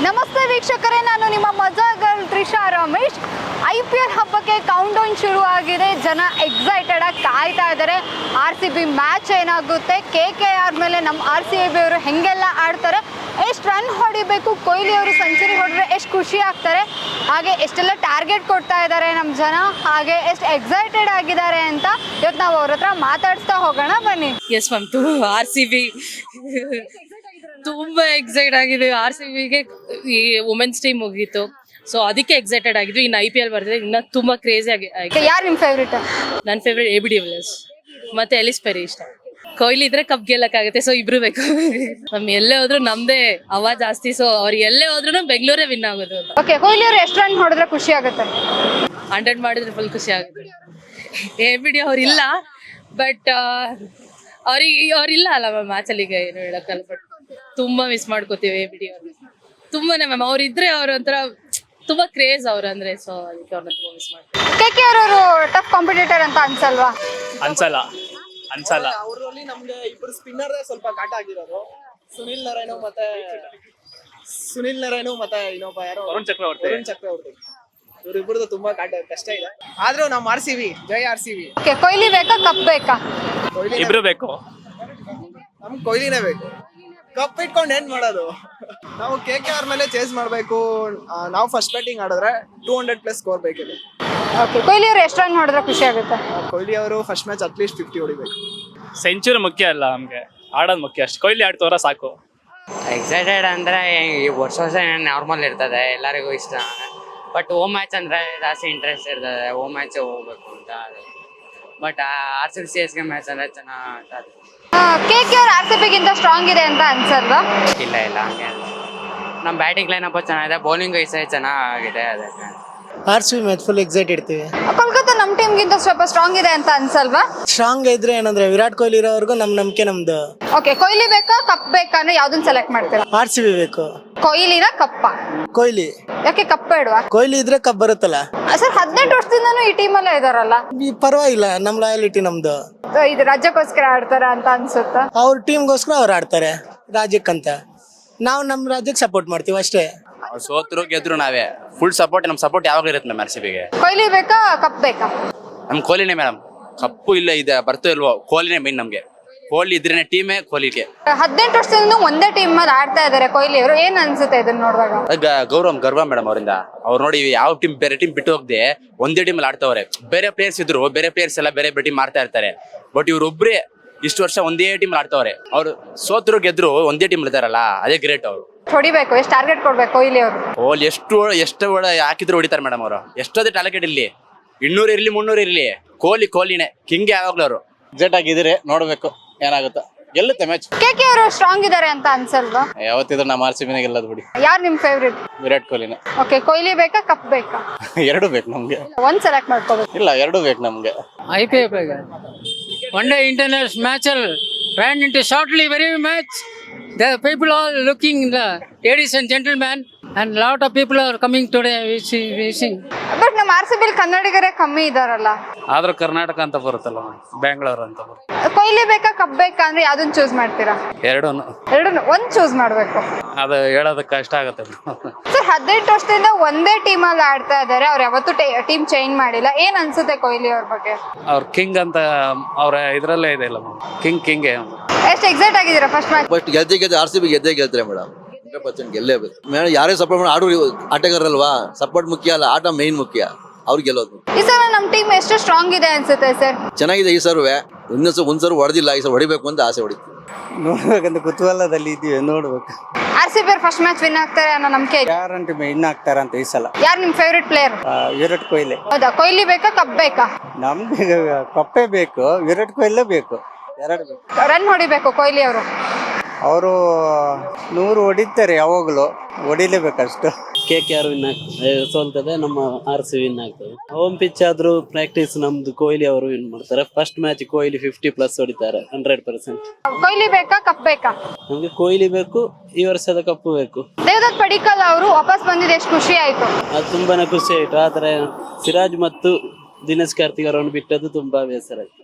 ನಮಸ್ತೆ ವೀಕ್ಷಕರೇ, ನಾನು ನಿಮ್ಮ ಮಜಾ ಗರ್ಲ್ ತ್ರಿಷಾ ರಮೇಶ್. IPL ಹಬ್ಬಕ್ಕೆ ಕೌಂಟ್ ಡೌನ್ ಶುರು ಆಗಿದೆ. ಜನ ಎಕ್ಸೈಟೆಡ್ ಆಗಿ ಕಾಯ್ತಾ ಇದ್ದಾರೆ. RCB ಮ್ಯಾಚ್ ಏನಾಗುತ್ತೆ, KKR ಮೇಲೆ ನಮ್ಮ RCB ಅವರು ಹೆಂಗೆಲ್ಲ ಆಡ್ತಾರೆ, ಎಷ್ಟು ರನ್ ಹೊಡಿಬೇಕು, ಕೊಹ್ಲಿ ಅವರು ಸೆಂಚುರಿ ಹೊಡೆದ್ರೆ ಎಷ್ಟು ಖುಷಿ ಆಗ್ತಾರೆ, ಹಾಗೆ ಎಷ್ಟೆಲ್ಲ ಟಾರ್ಗೆಟ್ ಕೊಡ್ತಾ ಇದ್ದಾರೆ ನಮ್ಮ ಜನ, ಹಾಗೆ ಎಷ್ಟು ಎಕ್ಸೈಟೆಡ್ ಆಗಿದ್ದಾರೆ ಅಂತ ಇವತ್ತು ನಾವು ಅವ್ರ ಹತ್ರ ಮಾತಾಡ್ಸ್ತಾ ಹೋಗೋಣ ಬನ್ನಿ. ಎಸ್ ಮ್ಯಾಮ್, RCB ತುಂಬಾ ಎಕ್ಸೈಟ್ ಆಗಿದೆ. RCBಗೆ ಈ ವುಮೆನ್ಸ್ ಟೀಮ್ ಮುಗೀತು, ಸೊ ಅದಕ್ಕೆ ಎಕ್ಸೈಟೆಡ್ ಆಗಿದ್ವಿ. ಇನ್ನು IPL ಬರ್ತಿದೆ, ಇನ್ನ ತುಂಬಾ ಕ್ರೇಜಿ ಆಗಿ. ಯಾರು ನಿಮ್ಮ ಫೇವ್ರೇಟ್? ನನ್ನ ಫೇವ್ರೇಟ್ AB de Villiers ಮತ್ತೆ ಎಲಿಸ್ ಪೆರಿ ಇಷ್ಟ. ಕೊಹ್ಲಿ ಇದ್ರೆ ಕಪ್ ಗೆಲ್ಲಕ್ಕಾಗುತ್ತೆ, ಸೊ ಇಬ್ರು ಬೇಕು. ನಮ್ ಎಲ್ಲೇ ಹೋದ್ರು ನಮ್ದೇ ಹವಾ ಜಾಸ್ತಿ, ಸೊ ಅವ್ರು ಎಲ್ಲೇ ಹೋದ್ರು ಬೆಂಗಳೂರೇ ವಿನ್ ಆಗೋದು. ಓಕೆ, ಕೊಹ್ಲಿ ಅವರು ಎಷ್ಟು ರನ್ ಹೊಡೆದ್ರೆ ಖುಷಿ ಆಗುತ್ತೆ? 100 ಮಾಡಿದ್ರೆ ಫುಲ್ ಖುಷಿ ಆಗುತ್ತೆ. AB de ಅವ್ರು ಇಲ್ಲ, ಬಟ್ ಅವ್ರಿಲ್ಲ ಅಲ್ಲ ಮ್ಯಾಮ್ ಮ್ಯಾಚಲ್ಲಿ, ಈಗ ಏನು ಹೇಳಕ್ಕಲ್ಲ. ಬಟ್ ತುಂಬಾ ಮಿಸ್ ಮಾಡ್ಕೋತೀವಿ AB de ಅವ್ರು ತುಂಬಾನೇ ಮ್ಯಾಮ್. ಅವ್ರಿದ್ರೆ ಅವ್ರ ಒಂಥರ ತುಂಬಾ ಕ್ರೇಜ್ ಅವ್ರು ಅಂದ್ರೆ, ಸೊ ಅದಕ್ಕೆ ಅವ್ರನ್ನ ತುಂಬಾ ಮಿಸ್ ಮಾಡ್ತೀವಿ. KKR ಅವರು ಟಫ್ ಕಾಂಪಿಟೇಟರ್ ಅಂತ ಅನ್ಸಲ್ವಾ? ಅನ್ಸಲ್ಲ. ಅವರಲ್ಲಿ ನಮ್ಗೆ ಇಬ್ಬರು ಸ್ಪಿನ್ನರ್ ಸ್ವಲ್ಪ ಕಾಟ ಆಗಿರೋದು, ಸುನಿಲ್ ನರೈನು ಮತ್ತೆ ಇನ್ನೊಬ್ಬ ಯಾರೋ ವರುಣ್ ಚಕ್ರವರ್ತಿ. ಇವರಿಬ್ಬರದು ತುಂಬಾ ಕಷ್ಟ ಇದೆ. ಆದ್ರೂ ನಮ್ಮ RCB ಜೈ RCB. ಓಕೆ, ಕೊಹ್ಲಿ ಬೇಕಾ ಕಪ್ ಬೇಕಾ? ಇಬ್ರು ಬೇಕು. ನಮ್ ಕೊಹ್ಲಿನೇ ಬೇಕು. ಕಪ್ ಇಟ್ಕೊಂಡು ಏನ್ ಮಾಡೋದು? ನಾವು KKR ಮೇಲೆ ಚೇಸ್ ಮಾಡ್ಬೇಕು. ನಾವು ಫಸ್ಟ್ ಬ್ಯಾಟಿಂಗ್ ಆಡಿದ್ರೆ 200+ ಸ್ಕೋರ್ ಬೇಕಿದೆ. ಓಕೆ, ಕೊಹ್ಲಿ ಅವರು ಎಷ್ಟು ರನ್ ಹೊಡೆದ್ರೆ ಖುಷಿ ಆಗುತ್ತೆ? ಕೊಹ್ಲಿ ಅವರು ಫಸ್ಟ್ ಮ್ಯಾಚ್ ಅಟ್ಲೀಸ್ಟ್ 50 ಹೊಡಿಬೇಕು. ಸೆಂಚುರಿ ಮುಖ್ಯ ಅಲ್ಲ, ನಮ್ಗೆ ಆಡೋದು ಮುಖ್ಯ ಅಷ್ಟೇ. ಕೊಹ್ಲಿ ಆಡ್ತವ್ರ ಸಾಕು. ಎಕ್ಸೈಟೆಡ್ ಅಂದ್ರೆ ವರ್ಷ ನಾರ್ಮಲ್ ಇರ್ತದೆ, ಎಲ್ಲರಿಗೂ ಇಷ್ಟ. ಬಟ್ ಹೋಮ್ ಮ್ಯಾಚ್ ಅಂದ್ರೆ ಜಾಸ್ತಿ ಇಂಟ್ರೆಸ್ಟ್ ಇರ್ತದೆ, ಹೋಮ್ ಮ್ಯಾಚ್ ಹೋಗ್ಬೇಕು ಅಂತ. ಬಟ್ RCB CSK ಮ್ಯಾಚ್ ಅಂದ್ರೆ ಚೆನ್ನಾಗಿ. KKR RCB ಗಿಂತ ಸ್ಟ್ರಾಂಗ್ ಇದೆ ಅಂತ ಅನ್ಸಲ್ವಾ? ಇಲ್ಲ ಹಂಗೆ ನಮ್ಮ ಬ್ಯಾಟಿಂಗ್ ಲೈನಪ್ ಚೆನ್ನಾಗಿದೆ, ಬೌಲಿಂಗ್ ಚೆನ್ನಾಗಿದೆ. ಅದಕ್ಕೆ RCB ಮ್ಯಾಚ್ ಫುಲ್ ಎಕ್ಸೈಟ್ ಇರ್ತೀವಿ. ಕೋಲ್ಕತ್ತಾ ನಮ್ಮ ಟೀಮ್ ಗಿಂತ ಸ್ವಲ್ಪ ಸ್ಟ್ರಾಂಗ್ ಇದೆ ಅಂತ ಅನ್ಸಲ್ವಾ? ಸ್ಟ್ರಾಂಗ್ ಇದ್ರೆ ಏನಂದ್ರೆ ವಿರಾಟ್ ಕೊಹ್ಲಿ ಇರೋವರೆಗೂ ನಮ್ ನಂಬಿಕೆ ನಮ್ದು. ಓಕೆ, ಕೊಹ್ಲಿ ಬೇಕಾ ಕಪ್ ಬೇಕಾ ಅಂದ್ರೆ ಯಾವ್ದನ್ನ ಸೆಲೆಕ್ಟ್ ಮಾಡ್ತೀರಾ? RCB ಬೇಕು. ಕೊಹ್ಲಿನ ಕಪ್ಪ? ಕೊಹ್ಲಿ. ಯಾಕೆ ಕಪ್ ಬೇಡವಾ? ಕೊಹ್ಲಿ ಇದ್ರೆ ಕಪ್ ಬರುತ್ತಲ್ಲ ಸರ್. 18 ವರ್ಷದಿಂದನೂ ಈ ಟೀಮ್ ಅಲ್ಲೇ ಇದಾರಲ್ಲ. ಪರವಾಗಿಲ್ಲ, ನಮ್ ಲಾಯಲಿಟಿ ನಮ್ದು. ಇದು ರಾಜ್ಯಕ್ಕೋಸ್ಕರ ಆಡ್ತಾರ ಅಂತ ಅನ್ಸುತ್ತಾ? ಅವ್ರ ಟೀಮ್ಗೋಸ್ಕರ ಅವ್ರು ಆಡ್ತಾರೆ, ರಾಜ್ಯಕ್ಕಂತ. ನಾವು ನಮ್ ರಾಜ್ಯಕ್ಕೆ ಸಪೋರ್ಟ್ ಮಾಡ್ತೀವಿ ಅಷ್ಟೇ. ಸೋತ್ರು ಗೆದ್ರು ನಾವೇ ಫುಲ್ ಸಪೋರ್ಟ್. ನಮ್ ಸಪೋರ್ಟ್ ಯಾವಾಗ ಇರುತ್ತೆ ಮ್ಯಾಮ್ RCBಗೆ. ಕೊಹ್ಲಿ ಬೇಕಾ ಕಪ್ ಬೇಕಾ? ನಮ್ ಕೊಹ್ಲಿನೇ ಮೇಡಮ್. ಕಪ್ಪು ಇಲ್ಲ ಇದೆ ಬರ್ತೋ ಇಲ್ವೋ, ಕೊಹ್ಲಿನೇ ಮೇನ್ ನಮ್ಗೆ. ಕೊಹ್ಲಿ ಇದ್ರೇನೆ ಟೀಮೇ ಕೊಹ್ಲಿಗೆ. 18 ವರ್ಷದಿಂದ ಒಂದೇ ಟೀಮ್ ಅಲ್ಲಿ ಆಡ್ತಾ ಇದಾರೆ ಕೊಹ್ಲಿ ಅವರು. ಏನ್ ಅನ್ಸುತ್ತೆ ಇದನ್ನ ನೋಡುವಾಗ? ಗರ್ವ ಮೇಡಮ್ ಅವರಿಂದ. ಅವ್ರು ನೋಡಿ ಯಾವ ಟೀಮ್ ಬೇರೆ ಟೀಮ್ ಬಿಟ್ಟು ಹೋಗದೆ ಒಂದೇ ಟೀಮ್ ಅಲ್ಲಿ ಆಡ್ತವ್ರೆ. ಬೇರೆ ಪ್ಲೇಯರ್ಸ್ ಇದ್ರು, ಬೇರೆ ಪ್ಲೇಯರ್ಸ್ ಎಲ್ಲ ಬೇರೆ ಟೀಮ್ ಮಾಡ್ತಾ ಇರ್ತಾರೆ. ಬಟ್ ಇವ್ರೊಬ್ರೇ ಇಷ್ಟು ವರ್ಷ ಒಂದೇ ಟೀಮ್ ಆಡ್ತವ್ರೆ. ಅವ್ರು ಸೋತ್ರು ಗೆದ್ರು ಒಂದೇ ಟೀಮ್ ಇರ್ತಾರಲ್ಲ, ಅದೇ ಗ್ರೇಟ್. ಅವ್ರು ಹೊಡಿಬೇಕು. ಎಷ್ಟು ಟಾರ್ಗೆಟ್ ಕೊಡ್ಬೇಕು ಕೊಹ್ಲಿ ಅವರು? ಕೊಹ್ಲಿ ಎಷ್ಟು ಹಾಕಿದ್ರು ಹೊಡಿತಾರೆ ಮೇಡಮ್. ಅವರು ಎಷ್ಟೊಂದೇ ಟಾರ್ಗೆಟ್ ಇರ್ಲಿ, 200 ಇರ್ಲಿ 300 ಇರ್ಲಿ, ಕೊಹ್ಲಿನೇ ಕಿಂಗ್ ಯಾವಾಗ್ಲೂ. ಅವರು ಎಕ್ಸೈಟ್ ಆಗಿದ್ರೆ ನೋಡ್ಬೇಕು ಏನಾಗುತ್ತೋ. ಗೆಲ್ಲುತ್ತೆ ಮ್ಯಾಚ್. KKR ಅವರು ಸ್ಟ್ರಾಂಗ್ ಇದಾರೆ ಅಂತ ಅನ್ಸಲ್ವಾ? ಯಾವತ್ತಿದ್ರು ನಮ್ಮ RCB ಗೆಲ್ಲೋದು ಬಿಡಿ. ಯಾರು ನಿಮ್ ಫೇವ್ರೇಟ್? ವಿರಾಟ್ ಕೊಹ್ಲಿನೇ. ಓಕೆ, ಕೊಹ್ಲಿ ಬೇಕಾ ಕಪ್ ಬೇಕಾ? ಎರಡು ಬೇಕು ನಮ್ಗೆ. ಒಂದ್ ಸೆಲೆಕ್ಟ್ ಮಾಡ್ಕೋಬೇಕು. ಇಲ್ಲ, ಎರಡು ಬೇಕು ನಮ್ಗೆ. IPL one day international match ran into shortly very much. The people are looking, the ladies and gentlemen, and lot of people are coming today wishing. But ನಮ್ಮ RCB ಕನ್ನಡಿಗರೇ ಕಮ್ಮಿ ಇದಾರಲ್ಲ. ಆದ್ರೂ ಕರ್ನಾಟಕ ಅಂತ ಬರುತ್ತಲ್ಲ, ಬೆಂಗಳೂರು ಅಂತ ಬರುತ್ತೆ. ಕೊಹ್ಲಿ ಬೇಕಾ ಕಪ್ ಬೇಕಾ ಅಂದ್ರೆ ಯಾವ್ದನ್ನ ಚೂಸ್ ಮಾಡ್ತೀರಾ? ಎರಡೂನು ಒಂದ್ ಚೂಸ್ ಮಾಡ್ಬೇಕು. ಅದು ಹೇಳೋದಕ್ಕೆ ಕಷ್ಟ ಆಗುತ್ತೆ. ಸರ್, 18 ವರ್ಷದಿಂದ ಒಂದೇ ಟೀಮ್ ಅಲ್ಲಿ ಆಡ್ತಾ ಇದಾರೆ. ಅವ್ರು ಯಾವತ್ತೂ ಟೀಮ್ ಚೇಂಜ್ ಮಾಡಿಲ್ಲ. ಏನ್ ಅನ್ಸುತ್ತೆ ಕೊಹ್ಲಿ ಅವ್ರ ಬಗ್ಗೆ? ಅವ್ರ ಕಿಂಗ್ ಅಂತ ಅವ್ರ ಇದ್ರಲ್ಲೇ ಇದೆ ಇಲ್ಲ, ಕಿಂಗ್. ಎಷ್ಟು ಎಕ್ಸೈಟ್ ಆಗಿದ್ದೀರಾ ಫಸ್ಟ್ ಮ್ಯಾಚ್? ಫಸ್ಟ್ ಗೆದ್ದೆ RCB ಗೆಲ್ತಾರೆ ಮೇಡಮ್. 100% ಗೆಲ್ಲೇಬೇಕು ಮೇಡಮ್. ಯಾರೇ ಸಪೋರ್ಟ್ ಮಾಡಿ ಆಡೋ ಆಟಗಾರಲ್ವಾ, ಸಪೋರ್ಟ್ ಮುಖ್ಯ ಅಲ್ಲ, ಆಟ ಮೇನ್ ಮುಖ್ಯ. ಅವ್ರು ಗೆಲ್ಲೋದು. ಈ ಸಲ ನಮ್ಮ ಟೀಮ್ ಎಷ್ಟು ಸ್ಟ್ರಾಂಗ್ ಇದೆ ಅನ್ಸುತ್ತೆ ಸರ್? ಚೆನ್ನಾಗಿದೆ. ಈ ಸರ್ವೆ ಒಂದ್ಸರು ಹೊಡೆದಿಲ್ಲ, ಈ ಸಲ ಹೊಡಿಬೇಕು ಅಂತ ಆಸೆ ಹೊಡಿತೀವಿ. ನೋಡ್ಬೇಕಂತ ಕುತೂಹಲದಲ್ಲಿ ಇದೀವಿ, ನೋಡ್ಬೇಕು. RCB ಫಸ್ಟ್ ಮ್ಯಾಚ್ ವಿನ್ ಆಗ್ತಾರೆ ಅನ್ನೋ ನಂಬಿಕೆ ಇದೆ. ಗ್ಯಾರಂಟಿ ವಿನ್ ಆಗ್ತಾರಂತ ಈ ಸಲ. ಯಾರು ನಿಮ್ ಫೇವ್ರೇಟ್ ಪ್ಲೇಯರ್? ವಿರಾಟ್ ಕೊಹ್ಲಿ. ಹೌದಾ? ಕೊಹ್ಲಿ ಬೇಕಾ ಕಪ್ ಬೇಕಾ? ನಮ್ಗೆ ಕಪ್ಪೇ ಬೇಕು, ವಿರಾಟ್ ಕೊಹ್ಲಿ ಬೇಕು, ಎರಡು ಬೇಕು. ರನ್ ಹೊಡಿಬೇಕು ಕೊಹ್ಲಿ ಅವರು. ಅವರು 100 ಹೊಡಿತಾರೆ, ಯಾವಾಗಲೂ ಹೊಡಿಲೇಬೇಕಷ್ಟು. KKR ವಿನ್ ಆಗ್ತದೆ, ಸೋಲ್ತದೆ. ನಮ್ಮ RCB ವಿನ್ ಆಗ್ತದೆ. ಹೋಮ್ ಪಿಚ್ ಆದ್ರೂ ಪ್ರಾಕ್ಟೀಸ್ ನಮ್ದು ಕೊಹ್ಲಿ ಅವರು ವಿನ್ ಮಾಡ್ತಾರೆ. ಫಸ್ಟ್ ಮ್ಯಾಚ್ ಕೊಹ್ಲಿ 50+ ಹೊಡಿತಾರೆ, 100%. ಕೊಹ್ಲಿ ಬೇಕಾ ಕಪ್ ಬೇಕಾ? ನಮ್ಗೆ ಕೊಹ್ಲಿ ಬೇಕು, ಈ ವರ್ಷದ ಕಪ್ಪು ಬೇಕು. ದೇವದತ್ ಪಡಿಕ್ಕಲ್ ಅವರು ವಾಪಸ್ ಬಂದಿದ್ದು ಎಷ್ಟು ಖುಷಿ ಆಯ್ತು? ಅದು ತುಂಬಾನೇ ಖುಷಿ ಆಯ್ತು. ಆದ್ರೆ ಸಿರಾಜ್ ಮತ್ತು ದಿನೇಶ್ ಕಾರ್ತಿಕ್ ಅವರನ್ನು ಬಿಟ್ಟದ್ದು ತುಂಬಾ ಬೇಸರ ಆಯ್ತು.